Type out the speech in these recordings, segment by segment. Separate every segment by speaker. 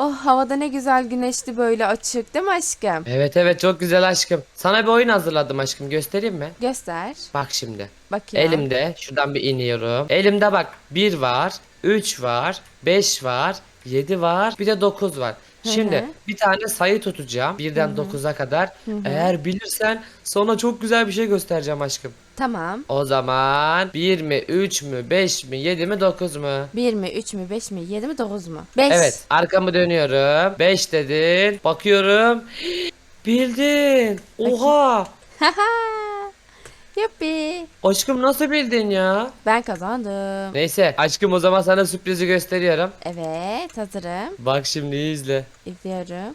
Speaker 1: Oh, havada ne güzel güneşli, böyle açık değil mi aşkım?
Speaker 2: Evet evet, çok güzel aşkım. Sana bir oyun hazırladım aşkım, göstereyim mi?
Speaker 1: Göster.
Speaker 2: Bak şimdi.
Speaker 1: Bakayım.
Speaker 2: Elimde şuradan bir iniyorum. Elimde bak, bir var, 3 var, 5 var, 7 var, bir de 9 var.
Speaker 1: Hı hı.
Speaker 2: Şimdi bir tane sayı tutacağım birden 9'a kadar.
Speaker 1: Hı hı.
Speaker 2: Eğer bilirsen sonra çok güzel bir şey göstereceğim aşkım.
Speaker 1: Tamam.
Speaker 2: O zaman bir mi, 3 mü, 5 mi, 7 mi, 9 mu?
Speaker 1: 1 mi, 3 mü, 5 mi, 7 mi, 9 mu? 5.
Speaker 2: Evet, arkamı dönüyorum. 5 dedin. Bakıyorum. Bildin.
Speaker 1: Bakayım.
Speaker 2: Oha.
Speaker 1: Haha. Yuppi.
Speaker 2: Aşkım nasıl bildin ya?
Speaker 1: Ben kazandım.
Speaker 2: Neyse aşkım, o zaman sana sürprizi gösteriyorum.
Speaker 1: Evet, hazırım.
Speaker 2: Bak şimdi iyi izle.
Speaker 1: İzliyorum.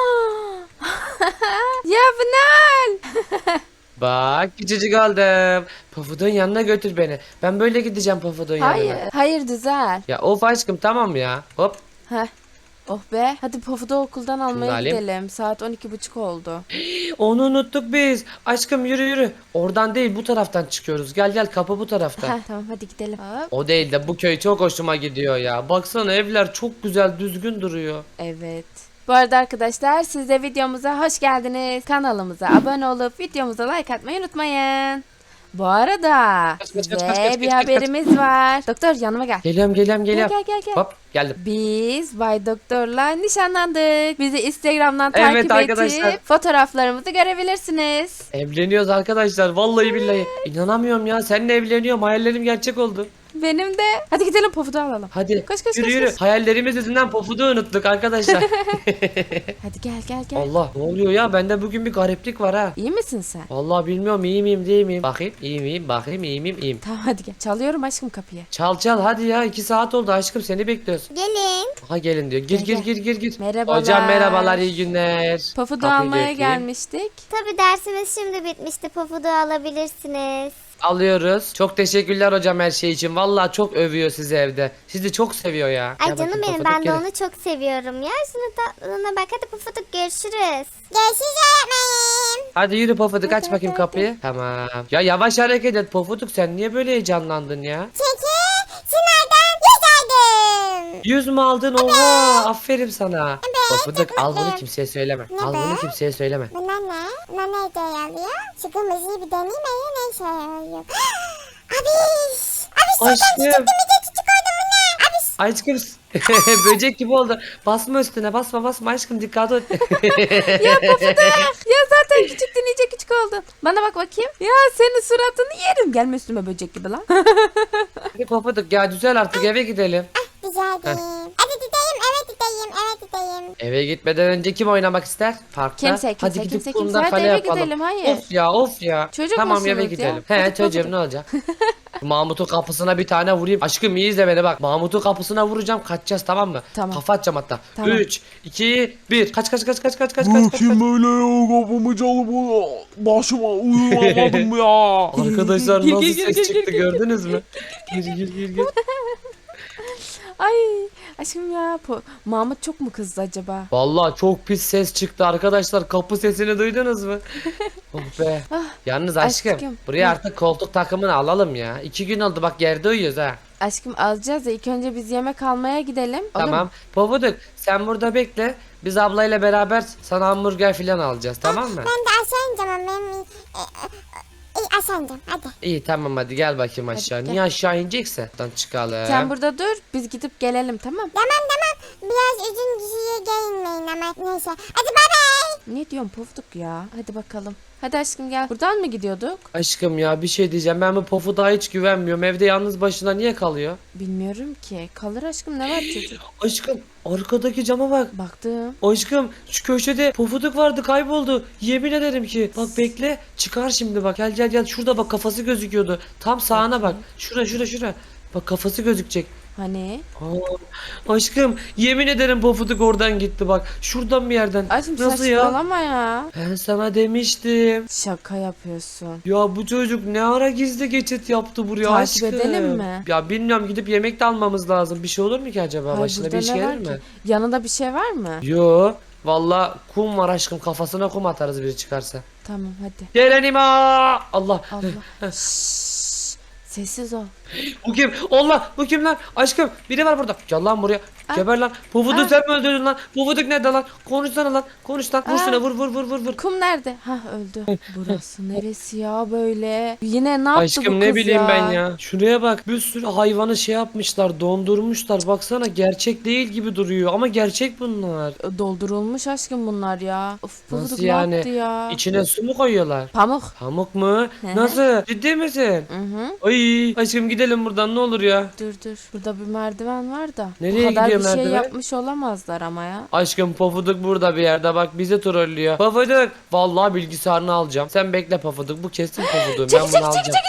Speaker 1: Ya Pınar.
Speaker 2: Bak küçücük oldum. Pofudun yanına götür beni. Ben böyle gideceğim Pofudun
Speaker 1: Hayır.
Speaker 2: yanına.
Speaker 1: Hayır, düzel.
Speaker 2: Ya of aşkım, tamam ya. Hop.
Speaker 1: Heh. Oh be. Hadi Pofud'u okuldan
Speaker 2: Şunu da
Speaker 1: almaya
Speaker 2: alayım.
Speaker 1: gidelim. Saat 12:30 oldu.
Speaker 2: Onu unuttuk biz. Aşkım yürü yürü. Oradan değil, bu taraftan çıkıyoruz. Gel gel, kapı bu tarafta.
Speaker 1: Heh, tamam, hadi gidelim. Hop.
Speaker 2: O değil de bu köy çok hoşuma gidiyor ya. Baksana, evler çok güzel düzgün duruyor.
Speaker 1: Evet. Bu arada arkadaşlar, siz de videomuza hoş geldiniz. Kanalımıza abone olup videomuza like atmayı unutmayın. Bu arada
Speaker 2: Kaç, kaç,
Speaker 1: size
Speaker 2: kaç, kaç, kaç,
Speaker 1: bir
Speaker 2: kaç, kaç.
Speaker 1: haberimiz var. Doktor, yanıma gel.
Speaker 2: Geliyorum geliyorum geliyorum.
Speaker 1: Gel gel gel.
Speaker 2: Hop geldim.
Speaker 1: Biz Bay Doktor'la nişanlandık. Bizi Instagram'dan
Speaker 2: Evet
Speaker 1: takip
Speaker 2: arkadaşlar.
Speaker 1: edip fotoğraflarımızı görebilirsiniz.
Speaker 2: Evleniyoruz arkadaşlar, vallahi billahi. İnanamıyorum ya, seninle evleniyorum, hayallerim gerçek oldu.
Speaker 1: Benim de. Hadi gidelim, Pofud'u alalım.
Speaker 2: Hadi
Speaker 1: Koş, koş,
Speaker 2: yürü
Speaker 1: koş,
Speaker 2: yürü.
Speaker 1: koş.
Speaker 2: Hayallerimiz yüzünden Pofud'u unuttuk arkadaşlar.
Speaker 1: Hadi gel gel gel.
Speaker 2: Allah, ne oluyor ya, bende bugün bir gariplik var ha.
Speaker 1: İyi misin sen?
Speaker 2: Vallahi bilmiyorum, iyi miyim değil miyim. Bakayım iyi miyim, bakayım iyi miyim, iyiyim.
Speaker 1: Tamam, hadi gel. Çalıyorum aşkım kapıyı.
Speaker 2: Çal çal hadi ya, 2 saat oldu aşkım, seni bekliyoruz.
Speaker 3: Gelin.
Speaker 2: Aha gelin diyor, gir
Speaker 1: Gel,
Speaker 2: gir
Speaker 1: gel.
Speaker 2: gir gir gir.
Speaker 1: Merhabalar.
Speaker 2: Hocam merhabalar, iyi günler.
Speaker 1: Pofud'u
Speaker 2: Kapıyı da
Speaker 1: almaya
Speaker 2: öpeyim.
Speaker 1: gelmiştik.
Speaker 3: Tabii dersimiz şimdi bitmişti. Pafudu alabilirsiniz.
Speaker 2: Alıyoruz. Çok teşekkürler hocam her şey için. Vallahi çok övüyor sizi evde. Sizi çok seviyor ya.
Speaker 3: Ay
Speaker 2: Gel
Speaker 3: canım
Speaker 2: bakayım,
Speaker 3: benim,
Speaker 2: Pofuduk,
Speaker 3: ben de
Speaker 2: gelin.
Speaker 3: onu çok seviyorum ya. Şunu tatlına bak, hadi Pufuduk, görüşürüz. Görüşürüz öğretmenim.
Speaker 2: Hadi yürü Pofuduk, aç
Speaker 1: Hadi,
Speaker 2: bakayım
Speaker 1: hadi,
Speaker 2: kapıyı. Tamam. Ya yavaş hareket et Pofuduk, sen niye böyle heyecanlandın ya?
Speaker 3: Çünkü sınavdan yüz aldım.
Speaker 2: 100 mü aldın? Oha, aferin sana. Pofuduk, al bunu
Speaker 3: evet.
Speaker 2: kimseye söyleme.
Speaker 3: Ne
Speaker 2: Al
Speaker 3: be?
Speaker 2: bunu kimseye söyleme.
Speaker 3: Bunlar ne? Bunlar ne hediye alıyor? Şu kırmızıyı bir deneyeyim mi? Ne işe yarıyor? Abiş! Abiş
Speaker 2: Aşkım.
Speaker 3: şuradan çıktı, bir de küçük oldu bu ne? Abiş!
Speaker 2: Aşkım böcek gibi oldu. Basma üstüne, basma basma aşkım, dikkat et.
Speaker 1: Ya Pofuduk. Ya zaten küçüktün, iyice küçük oldun. Bana bak bakayım. Ya senin suratını yerim. Gelme üstüme böcek gibi lan.
Speaker 2: Hadi Pofuduk ya, güzel, artık eve gidelim.
Speaker 3: Rica ederim. Hadi gideyim, evet gideyim, evet gideyim.
Speaker 2: Eve gitmeden önce kim oynamak ister? Parkta.
Speaker 1: Kimse, kimse,
Speaker 2: Hadi gidip
Speaker 1: kimse,
Speaker 2: kumda
Speaker 1: kimse. Hadi
Speaker 2: kale
Speaker 1: eve
Speaker 2: yapalım.
Speaker 1: gidelim, hayır.
Speaker 2: Of ya of ya.
Speaker 1: Çocuk
Speaker 2: tamam
Speaker 1: musunuz
Speaker 2: eve
Speaker 1: ya?
Speaker 2: gidelim.
Speaker 1: Hadi
Speaker 2: He çocuğum,
Speaker 1: Pofuduk.
Speaker 2: ne olacak? Mahmut'un kapısına bir tane vurayım. Aşkım iyi izle beni bak. Mahmut'un kapısına vuracağım, kaçacağız, tamam mı?
Speaker 1: Tamam.
Speaker 2: Kafa atacağım hatta.
Speaker 1: Tamam.
Speaker 2: 3, 2, 1. Kaç kaç kaç kaç kaç kaç
Speaker 4: Bu
Speaker 2: kaç kaç.
Speaker 4: kim böyle ya, kapımı çalıp başıma uyuyamadım ya.
Speaker 2: Arkadaşlar
Speaker 1: Gir,
Speaker 2: nasıl
Speaker 1: gir, gir,
Speaker 2: ses
Speaker 1: gir,
Speaker 2: çıktı,
Speaker 1: gir, gir.
Speaker 2: gördünüz mü? Gir gir gir gir.
Speaker 1: Ay aşkım ya. Mahmut çok mu kızdı acaba?
Speaker 2: Vallahi çok pis ses çıktı arkadaşlar. Kapı sesini duydunuz mu? Oh be. Yalnız aşkım,
Speaker 1: aşkım.
Speaker 2: buraya
Speaker 1: Hı.
Speaker 2: artık koltuk takımını alalım ya. 2 gün oldu bak, yerde uyuyoruz ha.
Speaker 1: Aşkım alacağız da ilk önce biz yemek almaya gidelim. Olur
Speaker 2: Tamam.
Speaker 1: mu?
Speaker 2: Pofuduk sen burada bekle. Biz ablayla beraber sana hamburger filan alacağız, tamam mı?
Speaker 3: Ben de aşağı ineceğim ama ben... aşağı ineceğim, hadi.
Speaker 2: İyi tamam, hadi gel bakayım aşağı.
Speaker 1: gel.
Speaker 2: Niye aşağı inecekse? Buradan çıkalım.
Speaker 1: Sen burada dur, biz gidip gelelim, tamam?
Speaker 3: Tamam tamam. Biraz uzun kişiye gelmeyin ama neyse. Hadi bay bay.
Speaker 1: Ne diyorsun Pofuduk ya? Hadi bakalım. Hadi aşkım gel. Buradan mı gidiyorduk?
Speaker 2: Aşkım ya, bir şey diyeceğim. Ben bu Pofuduk'a hiç güvenmiyorum. Evde yalnız başına niye kalıyor?
Speaker 1: Bilmiyorum ki. Kalır aşkım, ne var çocuk?
Speaker 2: Aşkım arkadaki cama bak.
Speaker 1: Baktım.
Speaker 2: Aşkım şu köşede Pofuduk vardı, kayboldu. Yemin ederim ki. Bak bekle, çıkar şimdi bak. Gel gel gel, şurada bak, kafası gözüküyordu. Tam sağına bak. Şura şura şura. Bak kafası gözükecek.
Speaker 1: Hani?
Speaker 2: Aşkım yemin ederim Pofuduk oradan gitti bak. Şuradan bir yerden.
Speaker 1: Aşkım
Speaker 2: Nasıl ya?
Speaker 1: saçmalama ya.
Speaker 2: Ben sana demiştim.
Speaker 1: Şaka yapıyorsun.
Speaker 2: Ya bu çocuk ne ara gizli geçit yaptı buraya
Speaker 1: Takip
Speaker 2: aşkım.
Speaker 1: edelim mi?
Speaker 2: Ya bilmiyorum, gidip yemek de almamız lazım. Bir şey olur mu ki acaba?
Speaker 1: Hayır,
Speaker 2: Başına bir
Speaker 1: burada
Speaker 2: iş
Speaker 1: ne
Speaker 2: gelir
Speaker 1: var
Speaker 2: mi?
Speaker 1: ki? Yanında bir şey var mı?
Speaker 2: Yo. Valla kum var aşkım, kafasına kum atarız biri çıkarsa.
Speaker 1: Tamam hadi.
Speaker 2: Gelenima! Allah.
Speaker 1: Allah. Şşş, sessiz ol.
Speaker 2: Bu kim? Allah, bu kim lan? Aşkım biri var burada. Gel lan buraya. Geber lan. Pufuduk sen mi öldürdün lan? Pufuduk nerede lan? Konuşsana lan. Konuş lan. Vur şuna, vur.
Speaker 1: Kum nerede? Ha öldü. Burası neresi ya böyle? Yine ne yaptı bu
Speaker 2: Aşkım
Speaker 1: kız
Speaker 2: ne bileyim
Speaker 1: ya?
Speaker 2: ben ya. Şuraya bak. Bir sürü hayvanı şey yapmışlar. Dondurmuşlar. Baksana gerçek değil gibi duruyor. Ama gerçek bunlar.
Speaker 1: Doldurulmuş aşkım bunlar ya. Of
Speaker 2: Nasıl
Speaker 1: Pufuduk ne
Speaker 2: yani?
Speaker 1: yaptı ya?
Speaker 2: İçine su mu koyuyorlar?
Speaker 1: Pamuk.
Speaker 2: Pamuk mu?
Speaker 1: hı.
Speaker 2: Nasıl? Ciddi misin?
Speaker 1: Hı.
Speaker 2: Ay aşkım gidelim buradan ne olur ya.
Speaker 1: Dur. Burada bir merdiven var da.
Speaker 2: Nereye
Speaker 1: Bu kadar
Speaker 2: gidiyor
Speaker 1: bir şey
Speaker 2: merdiven?
Speaker 1: yapmış olamazlar ama ya.
Speaker 2: Aşkım Pofuduk burada bir yerde bak bizi trollüyor. Pofuduk vallahi bilgisayarını alacağım. Sen bekle Pofuduk bu kesin Pofuduk ben bunu alacağım.
Speaker 1: Çekil.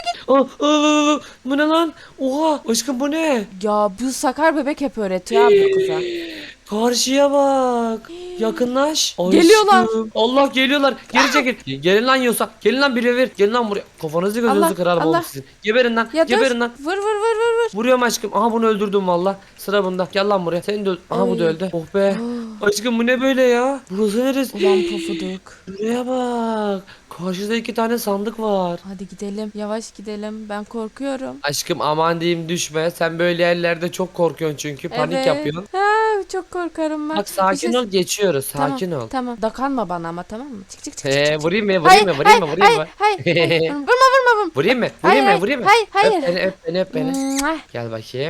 Speaker 2: Bu ne lan? Oha aşkım bu ne?
Speaker 1: Ya bu sakar bebek hep öğretiyor abi bu kıza.
Speaker 2: Karşıya bak. Yakınlaş.
Speaker 1: Geliyorlar.
Speaker 2: Aşkım. Allah geliyorlar. Geri çekil. Gelin lan yiyorsa. Gelin lan biri ver. Gelin lan buraya. Kafanızı gözünüzü
Speaker 1: Allah,
Speaker 2: kırarım
Speaker 1: Allah.
Speaker 2: oğlum sizin. Geberin lan.
Speaker 1: Ya dur.
Speaker 2: Geberin lan.
Speaker 1: Vur.
Speaker 2: Vuruyorum aşkım. Aha bunu öldürdüm valla. Sıra bunda. Gel lan buraya. Sen de öl. Aha bu da
Speaker 1: Oy.
Speaker 2: öldü. Oh be. Aşkım bu ne böyle ya? Burası neresi?
Speaker 1: Ulan Pufuduk.
Speaker 2: Buraya bak. Karşıda 2 tane sandık var.
Speaker 1: Hadi gidelim. Yavaş gidelim. Ben korkuyorum.
Speaker 2: Aşkım aman diyeyim düşme. Sen böyle yerlerde çok korkuyorsun çünkü. Panik
Speaker 1: Evet.
Speaker 2: yapıyorsun.
Speaker 1: Ha, çok korkarım ben.
Speaker 2: Bak sakin
Speaker 1: Bir şey-
Speaker 2: ol geçiyoruz. Sakin ol.
Speaker 1: Tamam. Dokanma bana ama tamam mı? Çık.
Speaker 2: Vurayım mı? Vurayım mı? Vurayım mı?
Speaker 1: Hayır. Vurma.
Speaker 2: Vurayım mı?
Speaker 1: Hayır,
Speaker 2: Vurayım mı?
Speaker 1: hayır.
Speaker 2: Öp beni.
Speaker 1: Mwah.
Speaker 2: Gel bakayım.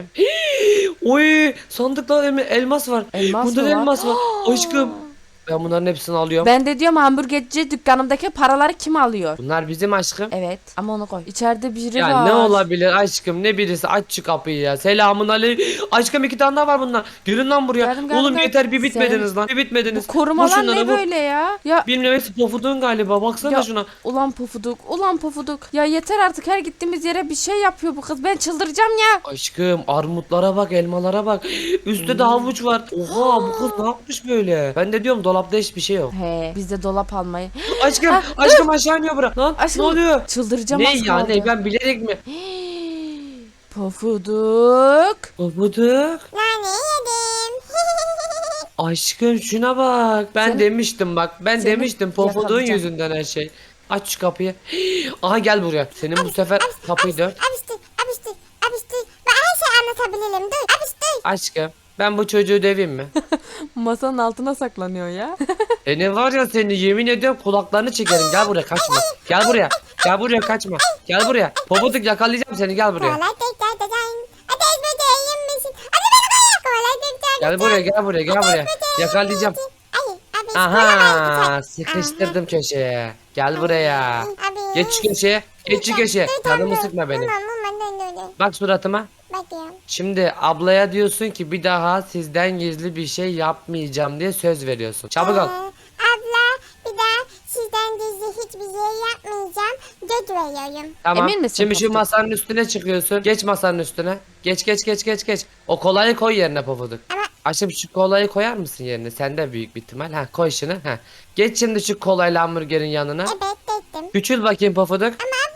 Speaker 2: Oy sandıkta elmas var.
Speaker 1: Elmas
Speaker 2: Bunda
Speaker 1: mı
Speaker 2: da
Speaker 1: var?
Speaker 2: elmas var. Aşkım. Ben bunların hepsini alıyorum.
Speaker 1: Ben de diyorum hamburgerci dükkanımdaki paraları kim alıyor?
Speaker 2: Bunlar bizim aşkım.
Speaker 1: Evet ama onu koy. İçeride biri
Speaker 2: Ya
Speaker 1: var.
Speaker 2: ne olabilir aşkım ne birisi aç şu kapıyı ya. Selamun aleyküm. Aşkım 2 tane daha var bunlar. Gelin lan buraya.
Speaker 1: Geldim.
Speaker 2: Oğlum yeter bir
Speaker 1: Sen-
Speaker 2: bitmediniz lan. Bir bitmediniz.
Speaker 1: Bu korumalar
Speaker 2: Vur şunları,
Speaker 1: ne
Speaker 2: vur.
Speaker 1: böyle ya? Ya
Speaker 2: Bilmiyorum hepsi pofudun galiba. Baksana
Speaker 1: Ya,
Speaker 2: şuna.
Speaker 1: ulan pofuduk. Ya yeter artık her gittiğimiz yere bir şey yapıyor bu kız. Ben çıldıracağım ya.
Speaker 2: Aşkım armutlara bak elmalara bak. Üstte de havuç var. Oha bu kız ne yapmış böyle? Ben de diyorum dolapta hiçbir şey yok.
Speaker 1: He biz de dolap almayı.
Speaker 2: Aşkım aşağı iniyor bura. Lan
Speaker 1: Aşkım,
Speaker 2: ne oluyor?
Speaker 1: Çıldıracağım
Speaker 2: Ne
Speaker 1: az
Speaker 2: ya
Speaker 1: kaldı.
Speaker 2: ne ben bilerek mi?
Speaker 1: Pofuduk.
Speaker 2: Pofuduk.
Speaker 3: Nane yedim.
Speaker 2: Aşkım şuna bak. Ben
Speaker 1: Seni-
Speaker 2: demiştim bak. Ben
Speaker 1: seni
Speaker 2: demiştim Pofuduk'un
Speaker 1: yakalayacağım.
Speaker 2: yüzünden her şey. Aç şu kapıyı. Aha gel buraya. Senin bu sefer kapıyı dört.
Speaker 3: Abiştir. Ben her şeyi anlatabilirim. Dur. Abiştir.
Speaker 2: Aşkım ben bu çocuğu döveyim mi?
Speaker 1: Masanın altına saklanıyor ya.
Speaker 2: Ne var ya seni yemin ediyorum kulaklarını çekerim. Gel buraya kaçma. Gel buraya. Gel buraya kaçma. Gel buraya. Pofuduk yakalayacağım seni gel buraya.
Speaker 3: Kolay tekrar dedim. Ateş böceği misin? Hadi beni koyar. Kolay tekrar.
Speaker 2: Gel buraya gel buraya. Yakalayacağım.
Speaker 3: Ay abiş.
Speaker 2: Aha sıkıştırdım köşeye. Gel buraya.
Speaker 3: Abi.
Speaker 2: Geç şu köşeye. Geç şu köşeye. Canımı sıkma benim.
Speaker 3: Tamam.
Speaker 2: Bak suratıma.
Speaker 3: Bakıyorum.
Speaker 2: Şimdi ablaya diyorsun ki bir daha sizden gizli bir şey yapmayacağım diye söz veriyorsun. Çabuk ol.
Speaker 3: Abla bir daha sizden gizli hiçbir şey yapmayacağım. Göt veriyorum.
Speaker 2: Tamam.
Speaker 1: Emin misin
Speaker 2: Şimdi şu
Speaker 1: Pofuduk?
Speaker 2: masanın üstüne çıkıyorsun. Geç masanın üstüne. Geç. O kolayı koy yerine Pofuduk.
Speaker 3: Ama-
Speaker 2: Aşkım şu kolayı koyar mısın yerine? Sende büyük bir ihtimal. Ha koy şunu. Ha. Geç şimdi şu kolayla hamburgerin yanına.
Speaker 3: Evet dedim.
Speaker 2: Küçül bakayım Pofuduk.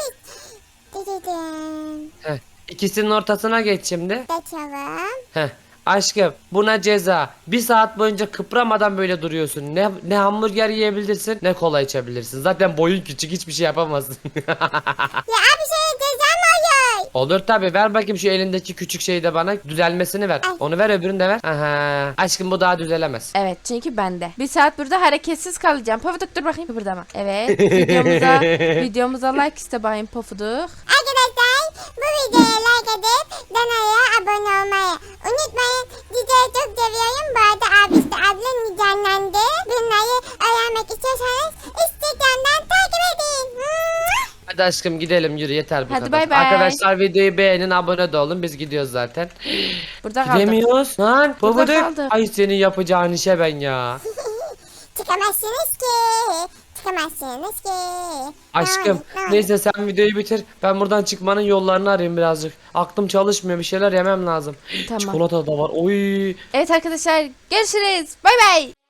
Speaker 3: Dedim.
Speaker 2: Heh. İkisinin ortasına geç şimdi.
Speaker 3: Geçelim.
Speaker 2: Heh. Aşkım buna ceza. 1 saat boyunca kıpramadan böyle duruyorsun. Ne hamburger yiyebilirsin ne kola içebilirsin. Zaten boyun küçük hiçbir şey yapamazsın.
Speaker 3: Ya abi şey ceza mı oluyor?
Speaker 2: Olur tabi ver bakayım şu elindeki küçük şeyi de bana düzelmesini ver.
Speaker 3: Ay.
Speaker 2: Onu ver öbürünü de ver. Aha. Aşkım bu daha düzelemez.
Speaker 1: Evet çünkü bende. Bir saat burada hareketsiz kalacağım. Pofuduk dur bakayım kıpırdama. Evet videomuza like iste bakayım Pofuduk.
Speaker 3: Arkadaşlar bu videoya like edip kanala abone olmayı unutmayın. Sizleri çok seviyorum. Bu arada abi işte abla canlandı. Bunları öğrenmek istiyorsanız Instagram'dan takip edin.
Speaker 2: Hadi aşkım gidelim yürü yeter bu
Speaker 1: Hadi
Speaker 2: kadar.
Speaker 1: bay bay.
Speaker 2: Arkadaşlar videoyu beğenin abone de olun biz gidiyoruz zaten.
Speaker 1: Burada kaldık.
Speaker 2: Gidemiyoruz lan.
Speaker 1: Burada
Speaker 2: Pofuduk.
Speaker 1: kaldık.
Speaker 2: Ay senin yapacağın işe ben ya.
Speaker 3: Çıkamazsınız ki. Çıkamazsınız ki.
Speaker 2: Aşkım
Speaker 3: Ne oldu?
Speaker 2: neyse sen videoyu bitir. Ben buradan çıkmanın yollarını arayayım birazcık. Aklım çalışmıyor bir şeyler yemem lazım.
Speaker 1: Tamam.
Speaker 2: Çikolata da var. Oy.
Speaker 1: Evet arkadaşlar görüşürüz. Bay bay.